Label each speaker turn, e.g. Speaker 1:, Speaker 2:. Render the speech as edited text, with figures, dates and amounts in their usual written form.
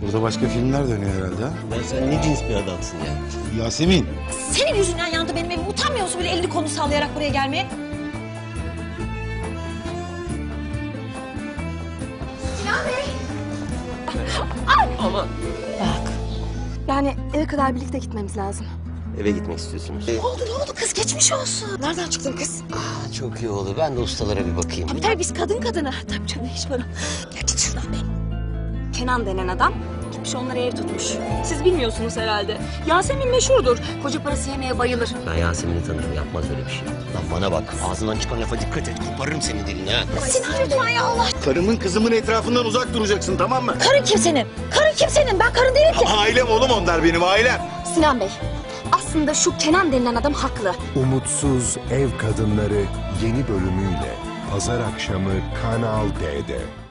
Speaker 1: Burada başka filmler dönüyor herhalde ha?
Speaker 2: Ya sen ne cins bir adamsın ya?
Speaker 1: Yasemin.
Speaker 3: Senin yüzünden yandı benim evim. Utanmıyor musun böyle elini kolunu sallayarak buraya gelmeye? Sinan Bey!
Speaker 2: Ama
Speaker 3: Bak.
Speaker 4: Yani eve kadar birlikte gitmemiz lazım.
Speaker 2: eve gitmek istiyorsunuz.
Speaker 3: Ne oldu kız geçmiş olsun. Nereden çıktın kız?
Speaker 2: Çok iyi oldu. Ben de ustalara bir bakayım.
Speaker 3: Tabii biz kadın kadına. Tabii canım hiç bana. Ya git şuradan be.
Speaker 4: Kenan denen adam gitmiş onlara ev tutmuş. Siz bilmiyorsunuz herhalde. Yasemin meşhurdur. Koca parası yemeye bayılır.
Speaker 2: Ben Yasemin'i tanırım. Yapmaz öyle bir şey. Lan bana bak. Ağzından çıkan lafa dikkat et. Koparırım senin dilini ha.
Speaker 3: Sinan lütfen ya Allah.
Speaker 1: Karımın kızımın etrafından uzak duracaksın, tamam mı?
Speaker 3: Karın kimsenin? Karın kimsenin? Ben karın değilim ki.
Speaker 1: Ailem oğlum, onlar benim ailem.
Speaker 4: Sinan Bey, aslında şu Kenan denilen adam haklı.
Speaker 5: Umutsuz Ev Kadınları yeni bölümüyle Pazar akşamı Kanal D'de.